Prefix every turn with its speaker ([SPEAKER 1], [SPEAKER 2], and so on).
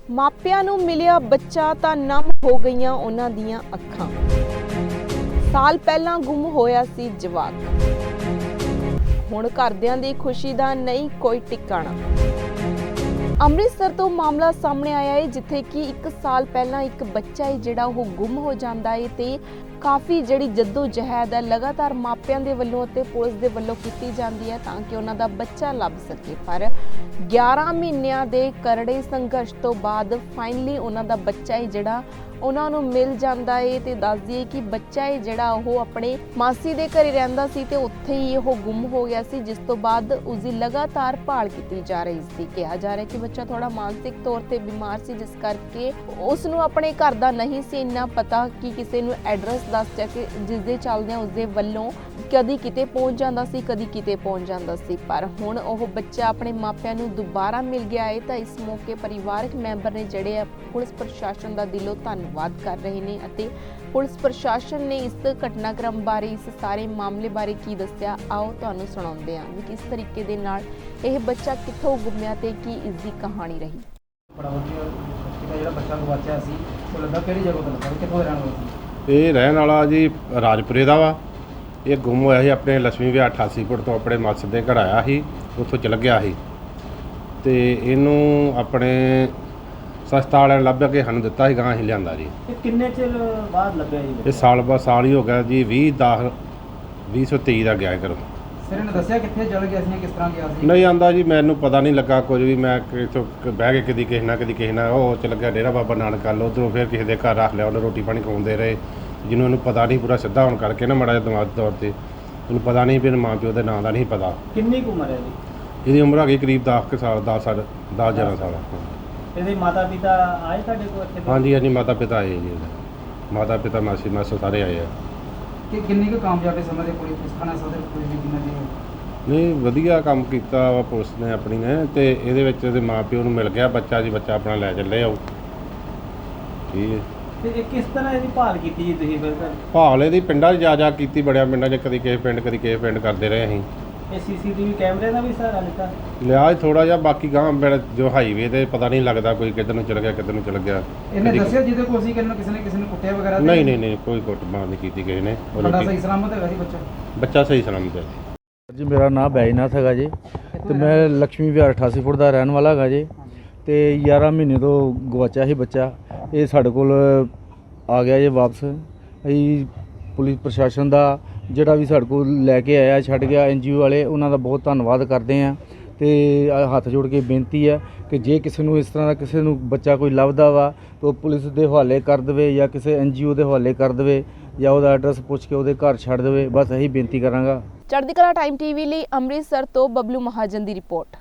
[SPEAKER 1] ਮਾਪਿਆਂ ਨੂੰ ਮਿਲਿਆ ਬੱਚਾ ਤਾਂ ਨਮ ਹੋ ਗਈਆਂ ਉਹਨਾਂ ਦੀਆਂ ਅੱਖਾਂ। ਸਾਲ ਪਹਿਲਾਂ ਗੁੰਮ ਹੋਇਆ ਸੀ ਜਵਾਕ, ਹੁਣ ਘਰਦਿਆਂ ਦੀ ਖੁਸ਼ੀ ਦਾ ਨਹੀਂ ਕੋਈ ਟਿਕਾਣਾ। ਅੰਮ੍ਰਿਤਸਰ ਤੋਂ ਮਾਮਲਾ ਸਾਹਮਣੇ ਆਇਆ ਹੈ, ਜਿੱਥੇ ਕਿ 1 ਸਾਲ ਪਹਿਲਾਂ ਇੱਕ ਬੱਚਾ ਹੈ ਜਿਹੜਾ ਉਹ ਗੁੰਮ ਹੋ ਜਾਂਦਾ ਹੈ ਤੇ ਕਾਫੀ ਜਿਹੜੀ ਜਹਿਦ ਹੈ ਲਗਾਤਾਰ ਮਾਪਿਆਂ ਦੇ ਵੱਲੋਂ ਅਤੇ ਪੁਲਿਸ ਦੇ ਵੱਲੋਂ ਕੀਤੀ ਜਾਂਦੀ ਹੈ ਤਾਂ ਕਿ ਉਹਨਾਂ ਦਾ ਬੱਚਾ ਲੱਭ ਸਕੇ। ਪਰ 11 ਮਹੀਨਿਆਂ ਦੇ ਕਰੜੇ ਸੰਘਰਸ਼ ਤੋਂ ਬਾਅਦ ਫਾਈਨਲੀ ਉਹਨਾਂ ਦਾ ਬੱਚਾ ਹੈ ਜਿਹੜਾ ਉਹਨਾਂ ਨੂੰ ਮਿਲ ਜਾਂਦਾ ਹੈ ਤੇ ਦੱਸ ਦਈਏ ਕਿ ਬੱਚਾ ਹੈ ਜਿਹੜਾ ਉਹ ਆਪਣੇ ਮਾਸੀ ਦੇ ਘਰੇ ਰਹਿੰਦਾ ਸੀ ਤੇ ਉੱਥੇ ਹੀ ਉਹ ਗੁੰਮ ਹੋ ਗਿਆ ਸੀ, ਜਿਸ ਤੋਂ ਬਾਅਦ ਉਸ ਦੀ ਲਗਾਤਾਰ ਭਾਲ ਕੀਤੀ ਜਾ ਰਹੀ ਸੀ। ਕਿਹਾ ਜਾ ਰਿਹਾ ਕਿ ਬੱਚਾ ਥੋੜਾ ਮਾਨਸਿਕ ਤੌਰ ਤੇ ਬਿਮਾਰ ਸੀ, ਜਿਸ ਕਰਕੇ ਉਸ ਨੂੰ ਆਪਣੇ ਘਰ ਦਾ ਨਹੀਂ ਸੀ ਇੰਨਾ ਪਤਾ ਕਿ ਕਿਸੇ ਨੂੰ ਐਡਰੈਸ ਦੱਸ ਕੇ ਜਿਸ ਦੇ ਚੱਲਦਿਆਂ ਉਸ ਦੇ ਵੱਲੋਂ ਕਦੀ ਕਿਤੇ ਪਹੁੰਚ ਜਾਂਦਾ ਸੀ, ਕਦੀ ਕਿਤੇ ਪਹੁੰਚ ਜਾਂਦਾ ਸੀ। ਪਰ ਹੁਣ ਉਹ ਬੱਚਾ ਆਪਣੇ ਮਾਪਿਆਂ ਨੂੰ ਦੁਬਾਰਾ ਮਿਲ ਗਿਆ ਹੈ ਤਾਂ ਇਸ ਮੌਕੇ ਪਰਿਵਾਰਕ ਮੈਂਬਰ ਨੇ ਜਿਹੜੇ ਆ ਪੁਲਿਸ ਪ੍ਰਸ਼ਾਸਨ ਦਾ ਦਿਲੋਂ ਧੰਨਵਾਦ ਕਰ ਰਹੇ ਨੇ ਅਤੇ ਪੁਲਿਸ ਪ੍ਰਸ਼ਾਸਨ ਨੇ ਇਸ ਘਟਨਾਕ੍ਰਮ ਬਾਰੇ, ਇਸ ਸਾਰੇ ਮਾਮਲੇ ਬਾਰੇ ਕੀ ਦੱਸਿਆ, ਆਓ ਤੁਹਾਨੂੰ ਸੁਣਾਉਂਦੇ ਹਾਂ ਵੀ ਕਿਸ ਤਰੀਕੇ ਦੇ ਨਾਲ ਇਹ ਬੱਚਾ ਕਿੱਥੋਂ ਗੁੰਮਿਆ ਤੇ ਕੀ ਇਸ ਦੀ ਕਹਾਣੀ ਰਹੀ।
[SPEAKER 2] ਬੜਾ ਵਧੀਆ ਜਿਹੜਾ ਬੱਚਾ ਗਵਾਚਿਆ ਸੀ ਉਹ ਲੱਗਾ ਕਿਹੜੀ ਜਗ੍ਹਾ ਤੋਂ ਲੱਗਾ, ਕਿੱਥੋਂ ਰਹਿਣ ਵਾਲਾ ਸੀ?
[SPEAKER 3] ਇਹ ਰਹਿਣ ਵਾਲਾ ਜੀ ਰਾਜਪੁਰੇ ਦਾ ਵਾ। ਇਹ ਗੁੰਮ ਹੋਇਆ ਸੀ ਆਪਣੇ ਲక్ష్ਮੀ ਵਿਆਹ 88 ਫੁੱਟ ਤੋਂ ਆਪਣੇ ਮਾਸੜ ਦੇ ਘਰ ਆਇਆ ਸੀ, ਉੱਥੋਂ ਚਲ ਗਿਆ ਸੀ ਤੇ ਇਹਨੂੰ ਆਪਣੇ ਸਸਤਾ ਵਾਲਿਆਂ ਨੇ ਲੱਭ ਕੇ ਸਾਨੂੰ ਦਿੱਤਾ ਸੀ, ਗਾਂ ਅਸੀਂ ਲਿਆਂਦਾ ਜੀ।
[SPEAKER 2] ਇਹ ਕਿੰਨੇ ਚਿਰ ਬਾਅਦ ਲੱਭਿਆ ਜੀ?
[SPEAKER 3] ਇਹ ਸਾਲ ਹੀ ਹੋ ਗਿਆ ਜੀ। 2023 ਦਾ ਗਿਆ ਘਰੋਂ।
[SPEAKER 2] ਸਿਰ ਨੇ ਦੱਸਿਆ ਕਿੱਥੇ ਚਲ ਗਿਆ ਸੀ, ਕਿਸ ਤਰ੍ਹਾਂ ਗਿਆ ਸੀ?
[SPEAKER 3] ਨਹੀਂ ਆਂਦਾ ਜੀ, ਮੈਨੂੰ ਪਤਾ ਨਹੀਂ ਲੱਗਾ ਕੁਝ ਵੀ। ਮੈਂ ਇੱਥੋਂ ਬਹਿ ਕੇ ਕਦੀ ਕਿਸੇ ਨਾਲ ਉਹ ਚਲ ਗਿਆ ਡੇਰਾ ਬਾਬਾ ਨਾਨਕ ਵੱਲ, ਉੱਧਰੋਂ ਫਿਰ ਕਿਸੇ ਦੇ ਘਰ ਰੱਖ ਲਿਆ, ਉਹਨੇ ਰੋਟੀ ਪਾਣੀ ਖਵਾਉਂਦੇ ਰਹੇ। ਜਿਹਨੂੰ ਇਹਨੂੰ ਪਤਾ ਨਹੀਂ, ਪੂਰਾ ਸਿੱਧਾ ਹੋਣ ਕਰਕੇ ਨਾ ਮਾੜਾ ਜਿਹਾ ਦਿਮਾਗੀ ਤੌਰ 'ਤੇ ਉਹਨੂੰ ਪਤਾ ਨਹੀਂ ਵੀ ਮਾਂ ਪਿਓ ਦੇ ਨਾਂ ਦਾ ਨਹੀਂ ਪਤਾ।
[SPEAKER 2] ਕਿੰਨੀ ਕੁ ਉਮਰ ਹੈ ਜੀ?
[SPEAKER 3] ਇਹਦੀ ਉਮਰ ਹੈਗੀ ਕਰੀਬ 10 ਸਾਲ 11 ਸਾਲ।
[SPEAKER 2] ਇਹਦੇ ਮਾਤਾ ਪਿਤਾ ਆਏ ਤੁਹਾਡੇ ਕੋਲ ਇੱਥੇ?
[SPEAKER 3] ਹਾਂਜੀ ਮਾਤਾ ਪਿਤਾ ਆਏ ਜੀ। ਮਾਤਾ ਪਿਤਾ ਮਾਸੀ ਮਾਸਾ ਸਾਰੇ ਆਏ ਆ।
[SPEAKER 2] ਕਿ ਕਿੰਨੀ ਕੁ ਕਾਮਯਾਬੀ ਸਮਝਦੇ ਪੁਲਿਸ ਥਾਣਾ ਸਦਰ ਪੁਲਿਸ ਦੀ ਕਿੰਨਾ ਜੀ?
[SPEAKER 3] ਨਹੀਂ ਵਧੀਆ ਕੰਮ ਕੀਤਾ ਵਾ ਪੁਲਿਸ ਨੇ ਆਪਣੀ ਨੇ, ਤੇ ਇਹਦੇ ਵਿੱਚ ਇਹਦੇ ਮਾਂ ਪਿਓ ਨੂੰ ਮਿਲ ਗਿਆ ਬੱਚਾ ਜੀ। ਬੱਚਾ ਆਪਣਾ ਲੈ ਚੱਲੇ ਆਓ। ਠੀਕ ਹੈ।
[SPEAKER 2] ਤੇ ਇਹ ਕਿਸ ਤਰ੍ਹਾਂ ਇਹਦੀ ਭਾਲ ਕੀਤੀ ਜੀ ਤੁਸੀਂ ਫਿਰ?
[SPEAKER 3] ਭਾਲ ਇਹਦੀ ਪਿੰਡਾਂ 'ਚ ਜਾ ਕੀਤੀ, ਬੜਿਆ ਪਿੰਡਾਂ 'ਚ, ਕਦੀ ਕਿਸੇ ਪਿੰਡ ਕਰਦੇ ਰਹੇ ਅਸੀਂ।
[SPEAKER 2] ਇਹ ਸੀਸੀਟੀਵੀ ਕੈਮਰੇ ਦਾ ਵੀ ਸਹਾਰਾ ਲਿੱਤਾ?
[SPEAKER 3] ਲਿਆ ਥੋੜਾ ਜਿਹਾ, ਬਾਕੀ ਗਾਂ ਜੋ ਹਾਈਵੇ ਤੇ ਪਤਾ ਨਹੀਂ ਲੱਗਦਾ ਕੋਈ ਕਿੱਧਰ ਨੂੰ ਚਲ ਗਿਆ ਕਿੱਧਰ ਨੂੰ ਚਲ ਗਿਆ।
[SPEAKER 2] ਇਹਨੇ ਦੱਸਿਆ ਜਿਹਦੇ ਕੋਲ ਸੀ ਕਿਸੇ ਨੇ ਕੁੱਟਿਆ ਵਗੈਰਾ?
[SPEAKER 3] ਨਹੀਂ ਕੋਈ ਕੁੱਟਮਾਰ ਨਹੀਂ ਕੀਤੀ ਕਿਸੇ ਨੇ।
[SPEAKER 2] ਤੁਹਾਡਾ ਸਹੀ ਸਲਾਮਤ ਹੈਗਾ ਸੀ
[SPEAKER 3] ਬੱਚਾ ਸਹੀ ਸਲਾਮਤ ਹੈ
[SPEAKER 4] ਜੀ। ਮੇਰਾ ਨਾਮ ਬੈਜਨਾਥ ਹੈਗਾ ਜੀ ਤੇ ਮੈਂ ਲక్ష్ਮੀ ਵਿਹਾਰ 88 ਫੁੱਟ ਦਾ ਰਹਿਣ ਵਾਲਾ ਹੈਗਾ ਜੀ ਤੇ 11 ਮਹੀਨੇ ਤੋਂ ਗਵਾਚਿਆ ਸੀ ਬੱਚਾ। ਇਹ ਸਾਡੇ ਕੋਲ ਆ ਗਿਆ ਜੀ ਵਾਪਸ। ਅਸੀਂ ਪੁਲਿਸ ਪ੍ਰਸ਼ਾਸਨ ਦਾ ਜਿਹੜਾ ਵੀ ਸਾਡੇ ਕੋਲ ਲੈ ਕੇ ਆਇਆ, ਛੱਡ ਗਿਆ, NGO ਵਾਲੇ, ਉਹਨਾਂ ਦਾ ਬਹੁਤ ਧੰਨਵਾਦ ਕਰਦੇ ਹਾਂ ਤੇ ਹੱਥ ਜੋੜ ਕੇ ਬੇਨਤੀ ਹੈ ਕਿ ਜੇ ਕਿਸੇ ਨੂੰ ਇਸ ਤਰ੍ਹਾਂ ਦਾ ਕਿਸੇ ਨੂੰ ਬੱਚਾ ਕੋਈ ਲੱਭਦਾ ਵਾ ਤਾਂ ਪੁਲਿਸ ਦੇ ਹਵਾਲੇ ਕਰ ਦੇਵੇ ਜਾਂ ਕਿਸੇ NGO ਦੇ ਹਵਾਲੇ ਕਰ ਦੇਵੇ ਜਾਂ ਉਹਦਾ ਐਡਰੈਸ ਪੁੱਛ ਕੇ ਉਹਦੇ ਘਰ ਛੱਡ ਦੇਵੇ। ਬਸ ਇਹੀ ਬੇਨਤੀ ਕਰਾਂਗਾ।
[SPEAKER 1] ਚੜ੍ਹਦੀ ਕਲਾ ਟਾਈਮ TV ਲਈ ਅੰਮ੍ਰਿਤਸਰ ਤੋਂ ਬਬਲੂ ਮਹਾਜਨ ਦੀ ਰਿਪੋਰਟ।